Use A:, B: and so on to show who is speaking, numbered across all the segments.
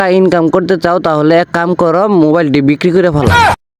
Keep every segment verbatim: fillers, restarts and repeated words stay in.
A: Income করতে চাও তাহলে এক কাম করো, মোবাইলটি বিক্রি করে ফেলো।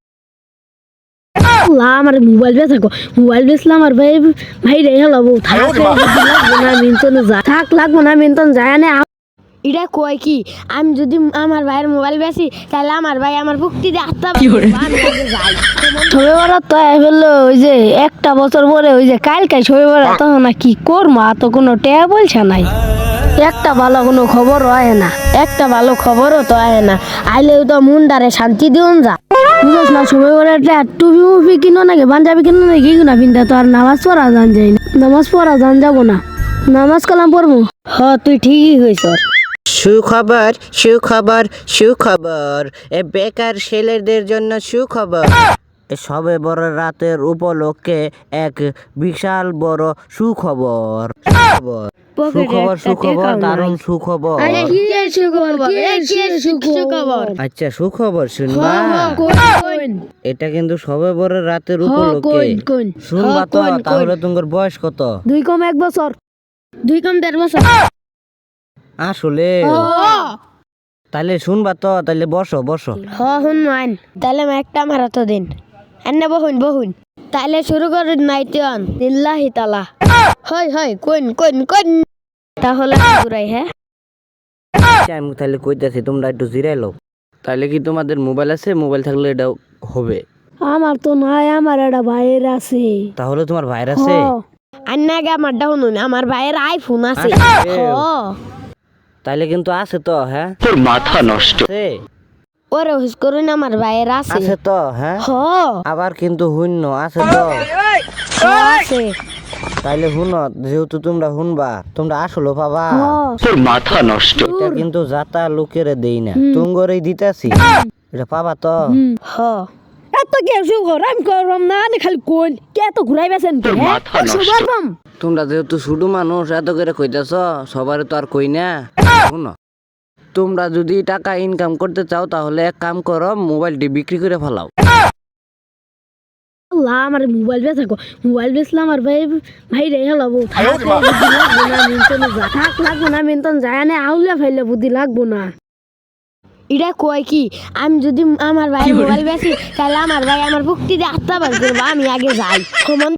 B: আমার মোবাইল বেচা মোবাইল বেচলাম আর ভাই ভাই রে হলাবো থাক লাগবো না মিনতন যা থাক লাগবো না মিনতন যায় না। এটা কয় কি আমি যদি আমার ভাইয়ের মোবাইল বেচি তাহলে আমার ভাই আমার ভক্তি দিয়ে আত্মা যাই ছবি বরাত তো ফেললো ওই যে একটা বছর পরে ওই যে কালকাই ছবি বরাত তখন না কি করবো তো কোনো টেয়া বলছে নাই। একটা ভালো কোনো খবর হয় না, একটা ভালো খবরও তো হয় না, আইলেও তো মুন্ডারে শান্তি দিউন যা বুঝছ না। সময় করে টুপি মুপি কিনো নাকি পাঞ্জাবি কিনো নাকি কিনা পিনতে তো আর নামাজ পড়া যান যাই না, নামাজ পড়া যান যাবো না, নামাজ কালাম পড়বো। হ তুই ঠিকই হয়েছ।
A: সুখবর সুখবর সুখবর, এ বেকার ছেলেদের জন্য সুখবর। এ সবে বড় রাতের উপলক্ষে এক বিশাল বড় সুখবর। সুখবর সুখবর সুখবর দারুণ সুখবর। আচ্ছা সুখবর শুনবা, এটা কিন্তু সবে বড় রাতের উপলক্ষে শুনবা তো। তাহলে তোমার বয়স কত?
B: দুই কম এক বছর, দুই কম দেড় বছর।
A: আসলে তাহলে শুনবা তো, তাহলে বসো বসো।
B: হ হুন মান তাহলে একটা আমার তো দিন এনে বহুন বহুন তাহলে শুরু করুন নাইতন লিল্লাহি তাআলা। হয় হয় কোন কোন কোন তাহলে পুরাই হ্যাঁ
A: আমি তাহলে কইতাছি তোমরা একটু জিরাই লও। তাহলে কি তোমাদের মোবাইল আছে? মোবাইল থাকলে এটা হবে।
B: আমার তো নাই, আমার একটা ভাইয়ের আছে।
A: তাহলে তোমার ভাইয়ের আছে?
B: আন্নাগে আমার ডাউন আমার ভাইয়ের আইফোন আছে। হ
A: তাহলে কিন্তু আছে তো। হ্যাঁ তোর মাথা নষ্ট
B: ওরে হুস করুন আমার ভাইয়ের আছে।
A: আছে তো? হ্যাঁ
B: হ
A: আবার কিন্তু হুন্য আছে তো?
B: আছে।
A: তাইলে হুন, যেহেতু তোমরা হুনবা তোমরা আসলো পাবা।
C: তোর মাথা নষ্ট।
A: এটা কিন্তু যাতা লোকের দেই না, তুঙ্গরেই দিতেছি, এটা পাবা তো?
B: হ এত কে সুগর আমি করম না নে খালি কোন কে তো ঘুরাই বেছেন কে সুগরম।
A: তোমরা যেহেতু শুধু মানুষ এত করে কইতাছ, সবারে তো আর কই না। শুনো, তোমরা যদি টাকা ইনকাম করতে চাও তাহলে এক কাম করো, মোবাইলটি বিক্রি করে ফেলাও।
B: আল্লাহ আমার মোবাইল বেচা মোবাইল বেচলাম আর ভাই ভাই রে হলাবো থাক লাগবো না মিনতন যা থাক লাগবো না মিনতন যায় না আউলে ফাইলে বুদ্ধি লাগবো না। এটা কয় কি আমি যদি আমার ভাইয়ের মোবাইল বেচি তাহলে আমার ভাই আমার ভক্তি দিয়ে আত্মা বার করবো, আমি আগে যাই।